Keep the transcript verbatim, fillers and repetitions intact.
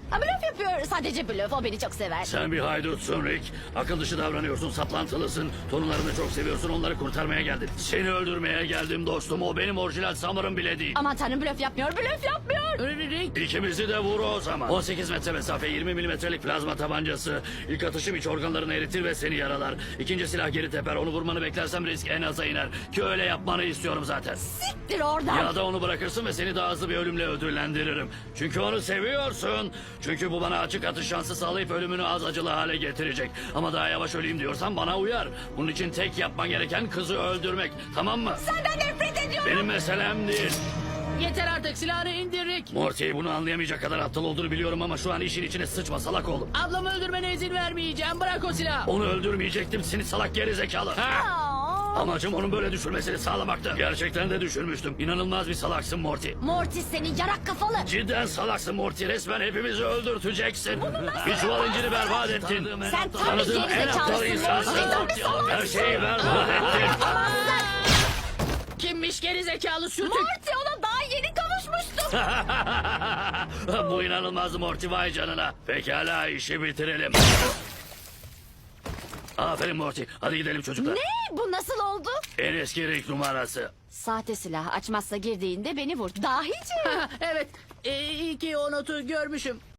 Ha, blöf yapıyor. Sadece blöf. O beni çok sever. Sen bir haydutsun Rick. Akıl dışı davranıyorsun, saplantılısın. Torunlarını çok seviyorsun, onları kurtarmaya geldin. Seni öldürmeye geldim dostum. O benim orijinal Summer'ım bile değil. Aman tanrım, blöf yapmıyor. Blöf yapmıyor. Rick, İkimizi de vur o zaman. on sekiz metre mesafe, yirmi milimetrelik plazma tabancası. İlk atışım iç organlarını eritir ve seni yaralar. İkinci silah geri teper. Onu vurmanı beklersem risk en aza iner. Ki öyle yapmanı istiyorum zaten. Siktir oradan. Ya da onu bırakırsın ve seni daha hızlı bir ölümle ödüllendiririm. Çünkü onu seviyorsun. Çünkü bu bana açık atış şansı sağlayıp ölümünü az acılı hale getirecek. Ama daha yavaş öleyim diyorsan bana uyar. Bunun için tek yapman gereken kızı öldürmek. Tamam mı? Senden nefret ediyorum. Benim meselem değil. yeter artık, silahını indir Rick. Morty bunu anlayamayacak kadar aptal olduğunu biliyorum ama şu an işin içine sıçma salak oğlum. Ablamı öldürmene izin vermeyeceğim. Bırak o silahı. Onu öldürmeyecektim seni salak gerizekalı. Ha! Aa, Amacım onun böyle düşürmesini sağlamaktı. Gerçekten de düşürmüştüm. İnanılmaz bir salaksın Morty. Mortis senin yarak kafalı. Cidden salaksın Morty. Resmen hepimizi öldürteceksin. Bir çuval inciri berbat ettin. Sen tam bir Tanıdığım en aptal gerizekalısın insansın. Morty. Tam bir salaksın. Her şeyi berbat ettin. Kimmiş geri zekalı sürtük? Morty, ona daha yeni kavuşmuştum. Bu inanılmaz Morty, vay canına. Pekala, işi bitirelim. Aferin Morty. Hadi gidelim çocuklar. Ne? Bu nasıl oldu? En eski Rick numarası. Sahte silah açmazsa girdiğinde beni vur. Dahice. Evet, e, iyi ki o notu görmüşüm.